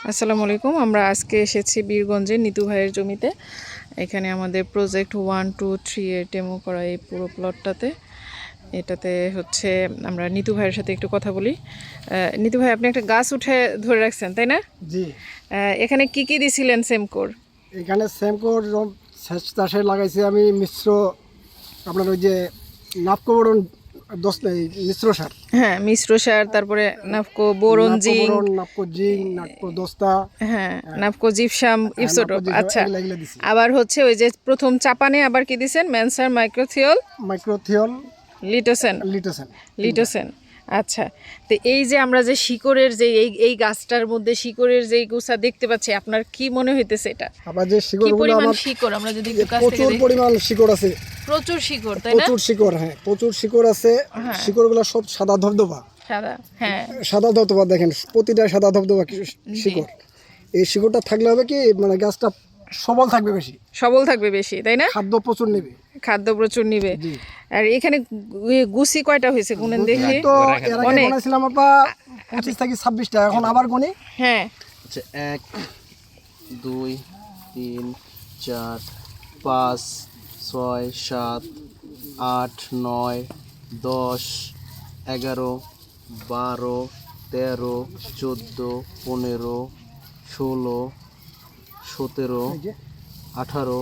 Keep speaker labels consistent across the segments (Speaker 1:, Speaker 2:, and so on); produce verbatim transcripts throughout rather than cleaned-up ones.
Speaker 1: আসসালামু আলাইকুম। আমরা আজকে এসেছি বীরগঞ্জে নিতু ভাইয়ের জমিতে। এখানে আমাদের প্রজেক্ট ওয়ান টু থ্রি এর ডেমো করা এই পুরো প্লটটাতে। এটাতে হচ্ছে আমরা নিতু ভাইয়ের সাথে একটু কথা বলি। নিতু ভাই, আপনি একটা গাছ উঠে ধরে রাখছেন, তাই না?
Speaker 2: জি।
Speaker 1: এখানে কি কি দিছিলেন সেমকোর?
Speaker 2: এখানে সেমকোর সেচ চাষে লাগাইছি আমি মিশ্র, আপনার ওই যে নাপকোবরণ দশ মিশ্র সার।
Speaker 1: হ্যাঁ, মিশ্র সার, তারপরে Napco boron zinc,
Speaker 2: Napco zinc, Napco দস্তা,
Speaker 1: হ্যাঁ নাপকো জিপসাম ইপসোটোপ। আচ্ছা,
Speaker 2: দিছি।
Speaker 1: আবার হচ্ছে ওই যে প্রথম চাপানে আবার কি দিছেন? মেনসার মাইক্রোথিওল,
Speaker 2: মাইক্রোথিওল,
Speaker 1: লিটোসেন
Speaker 2: লিটোসেন
Speaker 1: লিটোসেন আচ্ছা, তো এই যে আমরা যে শিকড়ের যে এই এই গাছটার মধ্যে শিকড়ের যে গোছা দেখতে পাচ্ছি, আপনার কি মনে হইতেছে এটা?
Speaker 2: আবার যে
Speaker 1: কি
Speaker 2: শিকড়গুলো
Speaker 1: পরিমাণ
Speaker 2: আমার
Speaker 1: শিকড় আমরা যদি একটু কাছ থেকে
Speaker 2: প্রচুর
Speaker 1: দেখি?
Speaker 2: পরিমাণ শিকড় আছে,
Speaker 1: প্রচুর শিকড়, তাই না?
Speaker 2: প্রচুর শিকড়, হ্যাঁ প্রচুর শিকড় আছে। শিকড়গুলো সব সাদা ধবধবা,
Speaker 1: সাদা, হ্যাঁ
Speaker 2: সাদা ধবধবা। দেখেন প্রতিটা সাদা ধবধবা শিকড়। এই শিকড়টা থাকলে হবে কি, মানে গাছটা সবল থাকবে, বেশি
Speaker 1: সবল থাকবে বেশি, তাই না?
Speaker 2: খাদ্য প্রচুর নেবে,
Speaker 1: খাদ্য প্রচুর নিবে। আর এখানে গুছি কয়টা হয়েছে গুনেন দেখি?
Speaker 2: তো এর আগে গুনেছিলাম আপা পঁচিশ থেকে ছাব্বিশটা, এখন আবার গুনি।
Speaker 1: হ্যাঁ,
Speaker 3: আচ্ছা, এক দুই তিন চার পাঁচ ছয় সাত আট নয় দশ এগারো বারো তেরো চোদ্দো পনেরো ষোলো সতেরো আঠারো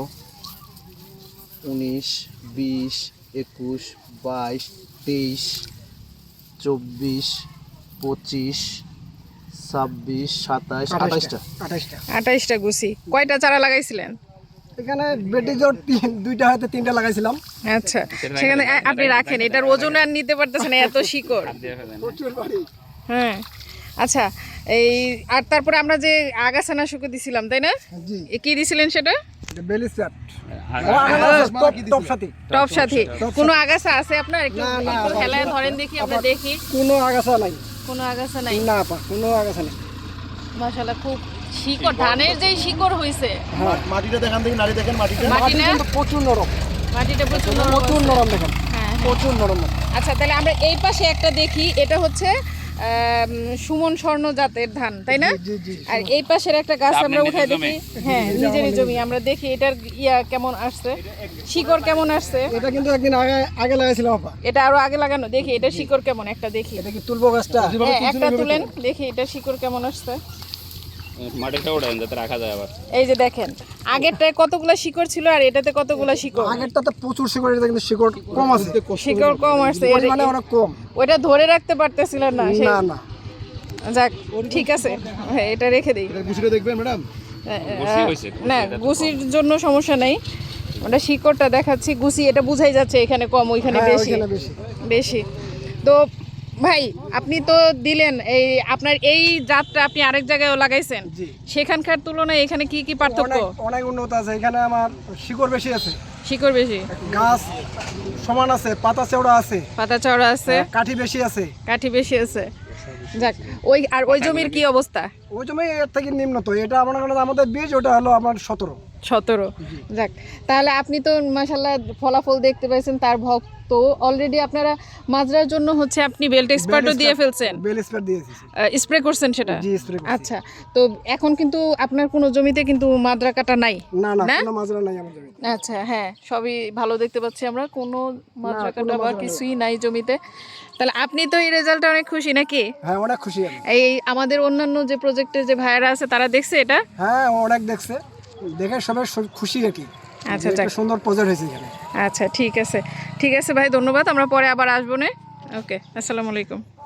Speaker 3: উনিশ বিশ একুশ বাইশ তেইশ চব্বিশ পঁচিশ ছাব্বিশ সাতাইশ আঠাইশটা
Speaker 2: আঠাইশটা
Speaker 1: আঠাইশটা গুছি। কয়টা চারা লাগাইছিলেন?
Speaker 2: এখানে বেটি জোর তিন দুইটা হয়তো তিনটা লাগাইছিলাম।
Speaker 1: আচ্ছা, সেখানে আপনি রাখেন, এটার ওজন আর নিতে পারতেছেন না, এত শিকড়। হ্যাঁ, আচ্ছা, এই আর তারপরে আমরা যে আগাছানাশক দিছিলাম, তাই না?
Speaker 2: জি।
Speaker 1: কি দিছিলেন সেটা?
Speaker 2: বেলিস্টার টপ সাথী।
Speaker 1: টপ সাথী। কোনো আগাছা আছে আপনার? একটু
Speaker 2: না, না,
Speaker 1: একটু হেলায় ধরেন দেখি, আমরা দেখি।
Speaker 2: কোনো আগাছা নাই,
Speaker 1: কোনো আগাছা নাই?
Speaker 2: না আপা, কোনো আগাছা নাই।
Speaker 1: মাশাআল্লাহ, খুব শিকড়, ধানের যে শিকড় হইছে।
Speaker 3: মাটিটা দেখান দেখি, নারী দেখেন মাটিটা।
Speaker 1: মাটি
Speaker 2: মাটি
Speaker 1: না?
Speaker 2: কিন্তু প্রচুর নরম,
Speaker 1: মাটিটা প্রচুর নরম
Speaker 2: প্রচুর
Speaker 1: আছে।
Speaker 2: নরম দেখেন,
Speaker 1: হ্যাঁ, হ্যাঁ।
Speaker 2: প্রচুর নরম।
Speaker 1: আচ্ছা, তাহলে আমরা এই পাশে একটা দেখি, এটা হচ্ছে আম, সুমন স্বর্ণ জাতের ধান, তাই না?
Speaker 2: জি, জি।
Speaker 1: আর এই পাশের একটা গাছ আমরা উঠাই দেখি। হ্যাঁ, নিজেরই জমি। আমরা দেখি এটার ইয়া কেমন আসছে, শিকড় কেমন আসছে।
Speaker 2: এটা কিন্তু একদিন আগে আগে লাগাইছিলাম আপা।
Speaker 1: এটা আরো আগে লাগানো, দেখি এটা শিকড় কেমন, একটা দেখি।
Speaker 2: এটা কি তুলবো গাছটা?
Speaker 1: হ্যাঁ, একটা তুলেন দেখি, এটা শিকড় কেমন আসছে।
Speaker 4: মাটিটা ওঠেন যাতে রাখা যায় আবার।
Speaker 1: এই যে দেখেন, আগেরটায় কতগুলা শিকড় ছিল আর এটাতে কতগুলা শিকড়।
Speaker 2: আগেরটাতে প্রচুর শিকড়, এটা কিন্তু শিকড় কম আছে,
Speaker 1: শিকড় কম আসছে,
Speaker 2: মানে অনেক কম।
Speaker 1: ওইটা ধরে রাখতে পারতেছিল না। সেই-
Speaker 2: না না,
Speaker 1: যাক, ঠিক আছে, হ্যাঁ, এটা রেখে দিই।
Speaker 2: গুছিয়ে দেখবেন ম্যাডাম।
Speaker 1: না, গুছির জন্য সমস্যা নেই, ওটা শিকড়টা দেখাচ্ছি। গুছি এটা বুঝাই যাচ্ছে এখানে কম, ওইখানে
Speaker 2: হ্যাঁ,
Speaker 1: বেশি
Speaker 2: ওইখানে বেশি।
Speaker 1: বেশি। তো ভাই, আপনি তো দিলেন এই আপনার এই জাতটা আপনি আরেক জায়গায়ও লাগাইছেন,
Speaker 2: জি।
Speaker 1: সেখানকার তুলনায় এখানে কি কি পার্থক্য?
Speaker 2: অনেক অনেক উন্নত আছে। এখানে আমার শিকড় বেশি আছে,
Speaker 1: শিকড় বেশি,
Speaker 2: গাছ সমান আছে, পাতা চওড়া আছে,
Speaker 1: পাতা চওড়া আছে,
Speaker 2: কাঠি বেশি আছে।
Speaker 1: কাঠি বেশি আছে। যাক, ওই আর ওই জমির কি অবস্থা?
Speaker 2: ওই জমি এর থেকে নিম্নত। এটা মনে করেন আমাদের বীজ, ওটা হলো আমার সতেরো।
Speaker 1: সতেরো। যাক, তাহলে আপনি তো মাশাআল্লাহ ফলাফল দেখতে পাইছেন, তার ভক্ত অলরেডি। আপনারা মাজরার জন্য হচ্ছে আপনি বেল্ট এক্সপার্টও দিয়ে ফেলছেন,
Speaker 2: বেল স্প্রে দিয়েছি।
Speaker 1: স্প্রে করছেন সেটা?
Speaker 2: জি, স্প্রে করছি।
Speaker 1: আচ্ছা, তো এখন কিন্তু আপনার কোনো জমিতে কিন্তু মাজরা কাটা নাই?
Speaker 2: না না, কোনো মাজরা নাই আমার জমিতে।
Speaker 1: আচ্ছা, হ্যাঁ, সবই ভালো দেখতে পাচ্ছি আমরা, কোনো মাজরা কাটা বা কিছুই নাই জমিতে। তাহলে আপনি তো এই রেজাল্টে অনেক খুশি নাকি?
Speaker 2: হ্যাঁ, অনেক খুশি আমি।
Speaker 1: এই আমাদের অন্যান্য যে প্রজেক্টের যে ভাইয়েরা আছে তারা দেখছে এটা?
Speaker 2: হ্যাঁ, অনেক দেখছে, দেখে সবাই খুশি আর কি।
Speaker 1: আচ্ছা,
Speaker 2: একটা সুন্দর প্রজেক্ট হয়েছে এখানে।
Speaker 1: আচ্ছা, ঠিক আছে, ঠিক আছে ভাই, ধন্যবাদ। আমরা পরে আবার আসবো না। ওকে, আসসালামু আলাইকুম।